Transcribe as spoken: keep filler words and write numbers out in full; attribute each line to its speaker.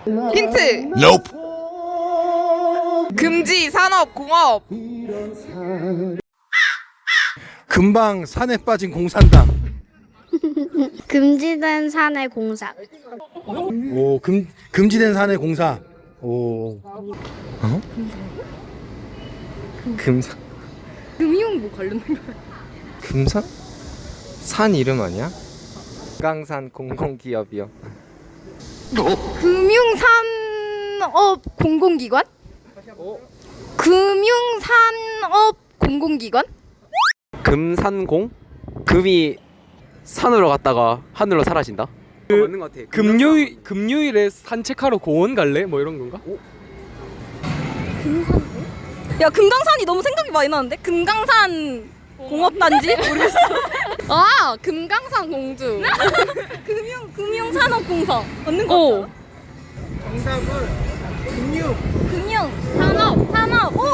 Speaker 1: 힌트.
Speaker 2: Nope.
Speaker 1: 금지 산업 공업.
Speaker 3: 금방 산에 빠진 공산당.
Speaker 4: 금지된 산의 공사.
Speaker 3: 오, 금 금지된 산의 공사. 오. 어?
Speaker 5: 금산
Speaker 1: 금융 뭐 관련된 거야?
Speaker 5: 금산? 산 이름 아니야? 금강산 공공기업이요.
Speaker 1: 금융산업 공공기관? 금융산업 공공기관?
Speaker 6: 금산공? 금이 산으로 갔다가 하늘로 사라진다?
Speaker 5: 그, 맞는 것 같아.
Speaker 6: 금요일 금요일에 산책하러 공원 갈래? 뭐 이런 건가?
Speaker 7: 야 금강산이 너무 생각이 많이 나는데? 금강산 공업단지? 모르겠어.
Speaker 1: 아 금강산 공주.
Speaker 7: 금융 금융산업공사 맞는 거 같아.
Speaker 3: 정답은 금융.
Speaker 7: 금융 산업 산업 오